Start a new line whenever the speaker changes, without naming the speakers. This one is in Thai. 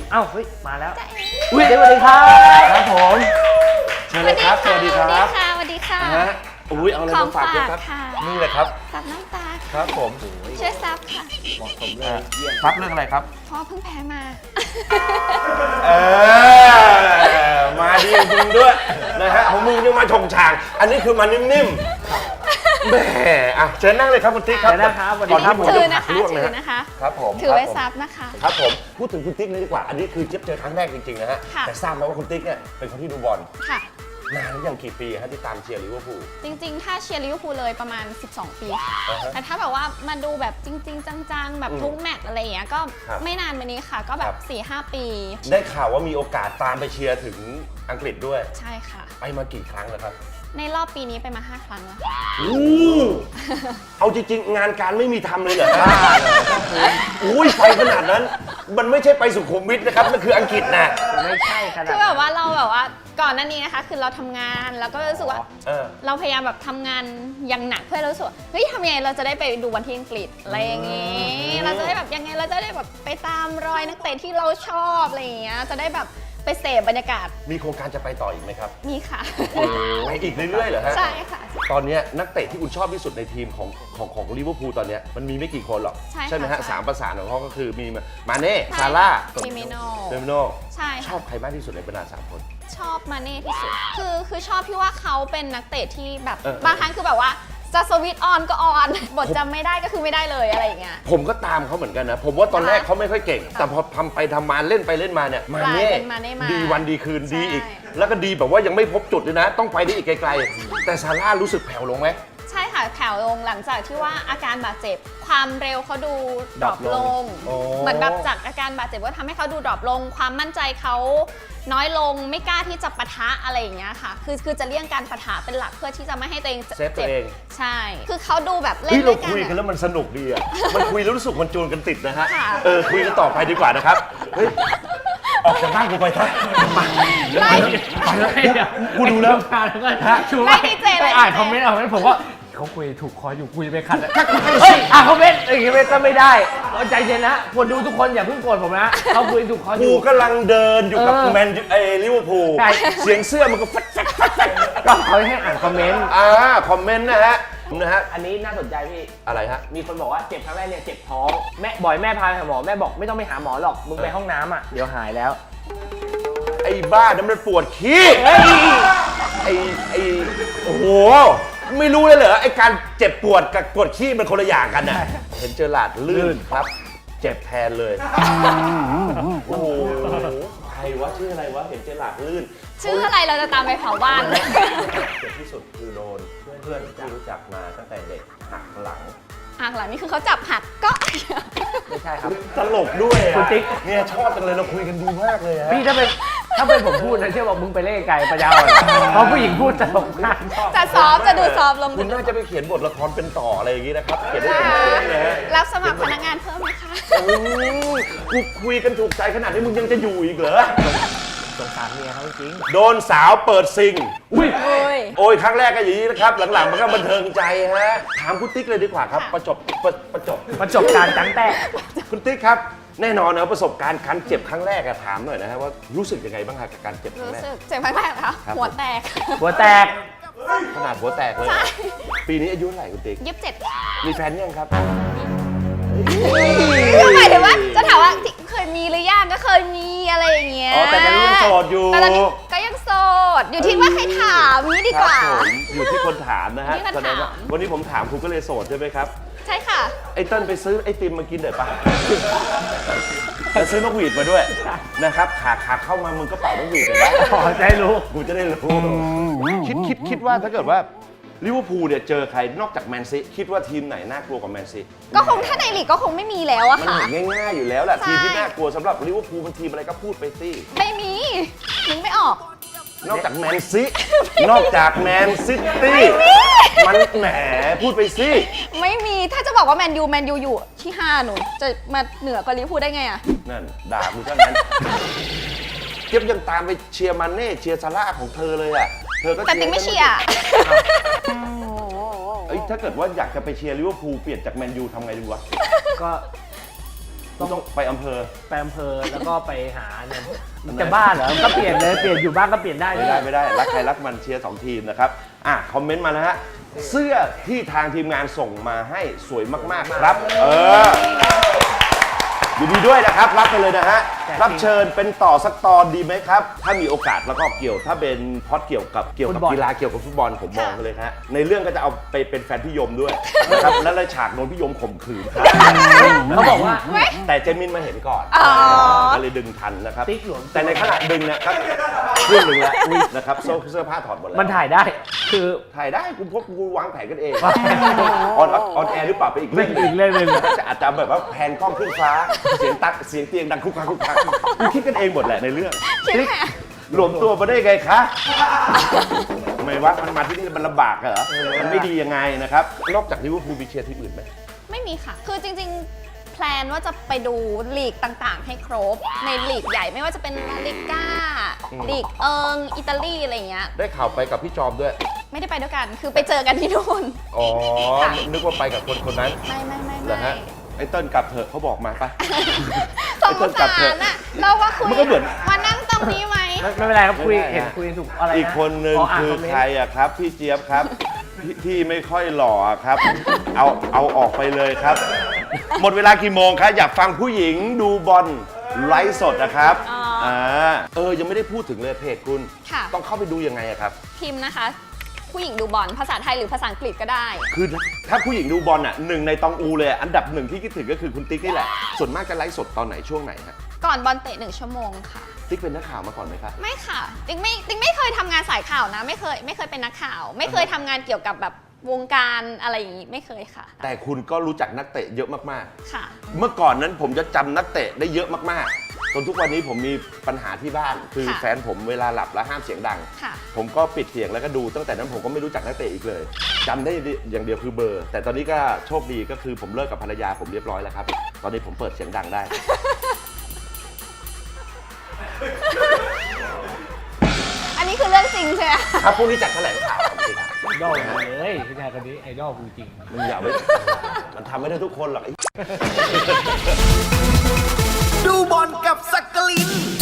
เอ้าเฮ้ยมาแล้ว
อุ๊ย
สวัสดีครับครับผม
เชิญเลยครับสวัสดีครับ
สวัสดีค่ะ
อุ้ยเอาอะไรมาฝากด้วยครับ
ค่ะ
นี่เลยครับ
ซับน้ำตา
ครับผม
ช่วยซับค่ะ
เหมาะสมเลยเยี่ยม
ซับเรื่องอะไรครับ
เพราะเพิ่งแพ้มา
มาดีจริงด้วยนะฮะของมึงยังมาชงชางอันนี้คือมานิ่มๆแหมอ่ะเชิญนั่งเลยครับคุณติ๊กครับ
เชิญนะครับสวัสดี
ก่อน
ครั
ที่
บ
ผม
ถื
จะ
อนะ
ผัก
คะ
ลวก
ถื
นะ
อ
ฮะ
นะคะ
ครับผม
ถือไว้
ครับผม
ซับนะคะ
ครับผมพูดถึงคุณติ๊กเลยดีกว่าอันนี้คือเจี๊ยบเจอครั้งแรกจริงๆนะฮะ
ค่ะ
แต่ทราบไหมว่าคุณติ๊กเนี่ยเป็นคนที่ดูบอล
ค่ะ
นานหรือยังกี่ปีฮะที่ตามเชียร์ลิเวอร์พูล
จริงๆ ถ้าเชียร์ลิเวอร์พูลเลยประมาณ 12 ปีค่ะ
อ่าฮะ
แต่ถ้าแบบว่ามาดูแบบจริง ๆ จังๆ แบบทุกแมตช์อะไรอย่างเงี้ยก็
ครับ
ไม่นานมานี้ค่ะ ก็แบ
ครับ
บ 4-5 ปี
ได้ข่าวว่ามีโอกาสตามไปเชียร์ถึงอังกฤษด้วย
ใช่ค่ะ
ไปมากี่ครั้งแล้วครับ
ในรอบปีนี้ไปมา 5 ครั้งแล้ว
เอาจริงๆ งานการไม่มีทำเลยเหรอครับอุ้ยไปขนาดนั้น มันไม่ใช่ไปสุขุมวิทนะครับ มันคืออังกฤษนะ
ไม่ใช่ขนาด
คือแบบว่าเราแบบว่าก่อนหน้านี้นะคะ คือเราทำงานแล้วก็รู้สึกว่า
เออ
เราพยายามแบบทำงานอย่างหนักเพื่อเรารู้สึกว่าเฮ้ยทำยังไงเราจะได้ไปดูบอลที่อังกฤษอะไรอย่างงี้ เราจะได้แบบยังไงเราจะได้แบบไปตามรอยนักเตะที่เราชอบอะไรอย่างเงี้ยจะได้แบบไปเสพบรรยากาศ
มีโครงการจะไปต่ออีกไหมครับ
นี่ค่ะ
ไปอีกเรื่อยๆเหรอฮะ
ใช่ค่ะ
ตอนเนี้ยนักเตะที่คุณชอบที่สุดในทีมของลิเวอร์พูลตอนเนี้ยมันมีไม่กี่คนหรอก
ใช่
ไหมฮะ
ค่ะ
สามประสานของเขาก็คือมีมาเน่ซาร่า
ฟิเมโน
เดมิโน
ใช่
ช
ค่ะ
อบใครมากที่สุดในบรรดาสามคน
ชอบมาเน่ที่สุดคือชอบที่ว่าเขาเป็นนักเตะที่แบบ
เออ
บางครั้งคือแบบว่าจะสวิตช์ออนก็ออนบทจำไม่ได้ก็คือไม่ได้เลยอะไรอย่างเงี้ย
ผมก็ตามเขาเหมือนกันนะ ผมว่าตอนแรก
ค่ะ
เขาไม่ค่อยเก่ง แต่พอทำไปทำมาเล่นไปเล่นมาเนี่ย
กลายเป็นมาเน่มา
ดีวันดีคืน
ใช่
ดีอีก แล้วก็ดีแบบว่ายังไม่พบจุดเลยนะ ต้องไปได้อีกไกลๆ แต่ซาร่ารู้สึกแผ่วลงไหม
ใช่ค่ะแผ่วลงหลังจากที่ว่าอาการบาดเจ็บ ความเร็วเขาดูดรอปลง
โอ้
เหมือนแบบจากอาการบาดเจ็บก็ทำให้เขาดูดรอปลง ความมั่นใจเขาน้อยลงไม่กล้าที่จะปะทะอะไรอย่างเงี้ยค่ะ คือจะเลี่ยงการปะทะเป็นหลักเพื่อที่จะไม่ให้ตัวเอง
เซฟตัวเอง
ใช่ คือเขาดูแบบเล่
เฮ้
น
ย
ด้
เรา
วยกัน
คุยกัน
อะ
แล้วมันสนุกดีอ่ะ มันคุยแล้วรู้สึกมันจูนกันติดนะฮะ
ค่ะ
คุยกันต่อไปดีกว่านะครับ เฮ้ย ออกจากบ้านกูไปท่ามาเดี๋ยว
ไม่
ไปแล้วกูดูแล้ว
แล้วก็ชู
ไม่ดีเจ
ไป
ไม่
อ่าน
ดีเจ
คอมเมนต์เอาไว้ผมว่าเขาคุยถูกคออยู่คุยไปขัดอะเฮ้ยอ่านคอมเมนต์อย่างงี้ก็ไม่ได้เอาใจเย็นนะคนดูทุกคนอย่าเพิ่งโกรธผมนะเขาคุยถูกคออ
กู
ยู่
กำลังเดินอยู่กับ
เออ
แมนลิเวอร์พูล
ใช่
เสียงเสื้อมันก็ฟัด
ก็เขาให้อ่านคอมเมนต์
คอมเมนต์นะฮะ
อันนี้น่าสนใจพี่
อะไรฮะ
มีคนบอกว่าเจ็บครั้งแรกเนี่ยเจ็บท้องแม่บ่อยแม่พาไปหาหมอแม่บอกไม่ต้องไปหาหมอหรอกมึงไปห้องน้ำอ่ะเดี๋ยวหายแล้ว
ไอ้บ้านั้นมันปวดขี้
เฮ้ย
ไอ้โอ้โห ไม่รู้เลยเหรอ ไอ้การเจ็บปวดกับปวดขี้มันคนละอย่างกันน่ะ เห็นเจอหลาดลื่นครับ เจ็บแทนเลย โอ้โห ใครวะชื่ออะไรวะ เห็นเจอหลาดลื่น
ชื่ออะไรเราจะตามไปเผาบ้าน
เจ็บที่สุดคือโดนเพื่อนที่รู้จักมาตั้งแต่เด็กหักหลัง
อ่ะหลังนี่คือเขาจับหักก็
ไม่ใช่ครับ
ตลกด้วยอะ
คุณติ๊ก
เนี่ยชอบจังเลยเราคุยกันดีมากเลยฮะ
พี่ถ้าเป็นผมพูดนะเชื่อบอกมึงไปเล่ไก่ปัญญาอ่อนเพราะผู้หญิงพูดตลกมาก
จะซอฟต์จะดูซอฟต์ลง
คุณน่าจะไปเขียนบทละครเป็นต่ออะไรอย่างนี้นะครับ เขียนได้
ค่ะ
เป็นเรื่องนะฮะ
รับสมัครพนักงานเพิ่มไหมคะ
โอ้ยกูคุยกันถูกใจขนาดนี้มึงยังจะอยู่อีกเหรอ
สงสารเมียเขาจริง
โดนสาวเปิดซิง
อุ้ย
โอ้ย
โอ้ยครั้งแรกก็อย่างนี้นะครับ หลังๆมันก็บันเทิงใจฮะ ถามคุณติ๊กเลยดีกว่าครับ
ค่ะ
ประจบ
ประสบการณ์จังแต่
คุณติ๊กครับ แน่นอนนะประสบการณ์การเจ็บครั้งแรกอะถามหน่อยนะฮะว่ารู้สึกยังไงบ้างฮะกับการเจ็บครั้ง
รู้
แรก
สึกเจ็บมากๆนะคะ
ครับ
หัวแตก
หัวแตก
ขนาดหัวแตกเลย
ใช่
ปีนี้อายุเท่าไหร่คุณติ๊ก
27
มีแฟนยังครับ
ก็หมายถึงว่าจะถามว่าเคยมีหรือยังก็เคยมีอะไรอย่างเงี้ย
อ๋อแต่ตอนนี้ยังโสดอยู่
แต่ตอนนี้ก็ยังโสด อยู่ที่ว่าใครถามนี้ดีกว่า
ครับผมอยู่ที่คนถามนะฮะ
อยู่ที่คน
แสดงว่า
ถาม
วันนี้ผมถามคุณก็เลยโสดใช่ไหมครับ
ใช่ค่ะ
ไอ้เติ้ลไปซื้อไอติมมากินหน่อยปะ แล้วซื้อนกหวีดมาด้วยนะครับขาเข้ามามึงก็เป่านกหวีดเลยนะ
ขอใจรู้
กูจะได้รู้คิดว่าถ้าเกิดว่าลิเวอร์พูลเนี่ยเจอใครนอกจากแมนซีคิดว่าทีมไหนน่ากลัวกว่าแมนซี
ก็คงถ้าในลีกก็คงไม่มีแล้วอะ
มัน
ค่ะ
เห็นง่ายๆอยู่แล้วแหละ
ใช่
ทีมที่น่ากลัวสำหรับลิเวอร์พูลมันทีมอะไรก็พูดไปสิ
ไม่มีนึกไม่ออก
นอกจากแมนซีนอกจากแมนซิตี้มันแหมพูดไปสิ
ไม่มีถ้าจะบอกว่าแมนยูอยู่ที่ 5 หนูจะมาเหนือกว่าลิเวอร์พูลได้ไงอะ
นั่นด่ากูซะงั้นเจี๊ยบยังตามไปเชียร์มันเน่เชียร์ซาร่าของเธอเลยอ่ะเธอก็
แต่ติ๊กไม่เชียร์
เอ้ยถ้าเกิดว่าอยากจะไปเชียร์ลิเวอร์พูลเปลี่ยนจากแมนยูทำไงดีวะ
ก็
ต้องไปอำเภอ
ไปอำเภอแล้วก็ไปหาเนี่ยมันจะบ้าเหรอมันก็เปลี่ยนเลยเปลี่ยนอยู่บ้านก็เปลี่ยนได้
ไม่ได้รักใครรักมันเชียร์2ทีมนะครับคอมเมนต์มานะฮะเสื้อที่ทางทีมงานส่งมาให้สวยมากๆครับยินดีด้วยนะครับรับไปเลยนะฮะรับเชิญเป็นต่อสักตอนดีไหมครับถ้ามีโอกาสแล้วก็ถ้าเป็นพอดเกี่ยวกับกีฬาเกี่ยวกับฟุตบอลผมมองเลยฮะในเรื่องก็จะเอาไปเป็นแฟนพี่ยมด้วยนะครับแล้วเลยฉากโดนพี่ยมข่มขืนครับ
เขาบอกว่า
แต่เจมินมาเห็นก่อนก็เลยดึงทันนะครับ
ติ๊กหลวง
แต่ในขณะดึงเนี่ยครับเรื่องหนึ่งแล้วนะครับเสื้อผ้าถอดหมดแล้ว
มันถ่ายได้คือ
ถ่ายได้กูวางแผนกันเองออนแอร์หรือเปล่าไปอีกเรื่องหนึ่ง
อีกเรื่องหนึ่ง
อาจจะแบบว่าแพนกล้องขึ้นฟ้าเสียงเตียงดังคุกคักกูคิดกันเองหมดแหละในเรื่อง
คิดแหละ
รวมตัวมาได้ไงคะทำไมวะมันมาที่นี่มันลำบากเหรอมันไม่ดียังไงนะครับนอกจากลิเวอร์พูลมีเชียร์ทีมอื่นไหม
ไม่มีค่ะ คือจริงๆ แพลนว่าจะไปดูลีกต่างๆ ให้ครบ ในลีกใหญ่ไม่ว่าจะเป็นลาลิก้า ลีกอิตาลีอะไรอย่างเงี้ย
ได้ข่าวไปกับพี่จอมด้วย
ไม่ได้ไปด้วยกัน คือไปเจอกันที่นู่น
อ๋อ
ค่ะ
นึกว่าไปกับคนนั้น
ไม่
เหรอฮะไอ้เติ้ลกลับเถอะเขาบอกมาปะ
สงสารน่ะเราก็คุย
มันก็เหมือน
มานั่งตรงนี้ไหม
ไม่เป็นไรครับคุย
ไม่เป็นไร
เห็นคุยถูกอะไรนะ
อีกคนนึง
าน
คือ
มเมนต์
ใครอะครับพี่เจี๊ยบครับพี่ไม่ค่อยหล่ออะครับ เอาออกไปเลยครับ หมดเวลากี่โมงครับอยากฟังผู้หญิงดูบอลไลฟ์สดนะครับ
อ๋อ
ยังไม่ได้พูดถึงเลยเพจคุณ
ค่ะ
ต้องเข้าไปดูยังไงอะครับ
พิมพ์นะคะ ผู้หญิงดูบอลภาษาไทยหรือภาษาอังกฤษก็ได้
คือถ้าผู้หญิงดูบอลอะหนึ่งในตองอูเลยอันดับหนึ่งที่คิดถึงก็คือคุณติ๊กนี่แหละส่วนมากจะไลฟ์สดตอนไหนช่วงไหนฮะ
ก่อนบอลเตะ1 ชั่วโมงค่ะ
ติ๊กเป็นนักข่าวมาก่อนไหมครับ
ไม่ค่ะติ๊กไม่เคยทำงานสายข่าวนะ ไม่เคยเป็นนักข่าว ไม่เคยทำงานเกี่ยวกับแบบวงการอะไรอย่างนี้ไม่เคยค่ะ
แต่คุณก็รู้จักนักเตะเยอะมาก
ค่ะ
ๆ เมื่อก่อนนั้นผมจะจำนักเตะได้เยอะมากๆจนทุกวันนี้ผมมีปัญหาที่บ้าน คือ
ค่ะ
แฟนผมเวลาหลับแล้วห้ามเสียงดัง
ค่ะ
ผมก็ปิดเสียงแล้วก็ดูตั้งแต่นั้นผมก็ไม่รู้จักนักเตะอีกเลยจำได้อย่างเดียวคือเบอร์ แต่ตอนนี้ก็โชคดีก็คือผมเลิกกับภรรยาผมเรียบร้อยแล้วครับ ตอนนี้ผมเปิดเสียงดังได้
อันนี้คือเรื่องจริงใช่ไหม
ครับพรุ่งนี้จัดแถลงข่าวครับ
ไอดอลเลยผู้ชายคนนี้ไอดอลจริง
มึงอย่าไปมันทำไม่ได้ทุกคนหรอก
ดูบอลกับสักกลิน